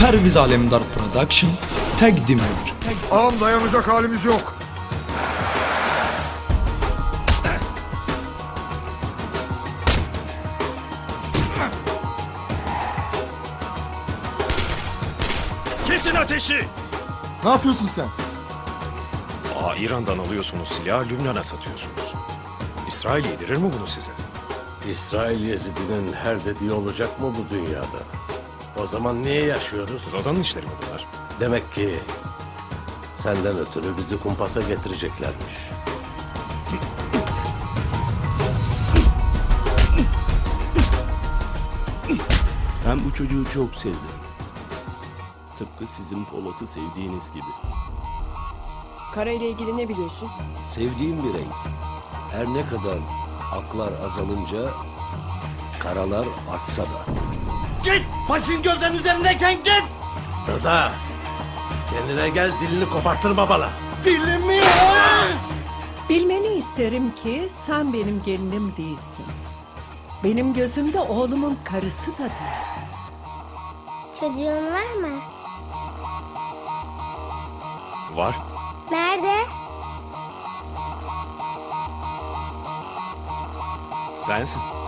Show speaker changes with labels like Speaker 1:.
Speaker 1: Perviz Alemdar Production təqdim edir.
Speaker 2: Ağam dayanacak halimiz yok.
Speaker 3: Kesin ateşi!
Speaker 2: Ne yapıyorsun sen?
Speaker 3: İran'dan alıyorsunuz silahı, Lübnan'a satıyorsunuz. İsrail yedirir mi bunu size?
Speaker 4: İsrail Yezidi'nin her dediği olacak mı bu dünyada? O zaman niye yaşıyoruz?
Speaker 3: Zazan'ın işleri mi bunlar?
Speaker 4: Demek ki senden ötürü bizi kumpasa getireceklermiş.
Speaker 5: Ben bu çocuğu çok sevdim. Tıpkı sizin Polat'ı sevdiğiniz gibi.
Speaker 6: Kara ile ilgili ne biliyorsun?
Speaker 7: Sevdiğim bir renk. Her ne kadar aklar azalınca karalar artsa da.
Speaker 4: Git! Başın gövden üzerindeyken git! Saza! Kendine gel, dilini kopartırma bana. Dilimi!
Speaker 8: Bilmeni isterim ki sen benim gelinim değilsin. Benim gözümde oğlumun karısı da değilsin.
Speaker 9: Çocuğun var mı?
Speaker 3: Var.
Speaker 9: Nerede?
Speaker 3: Sensin.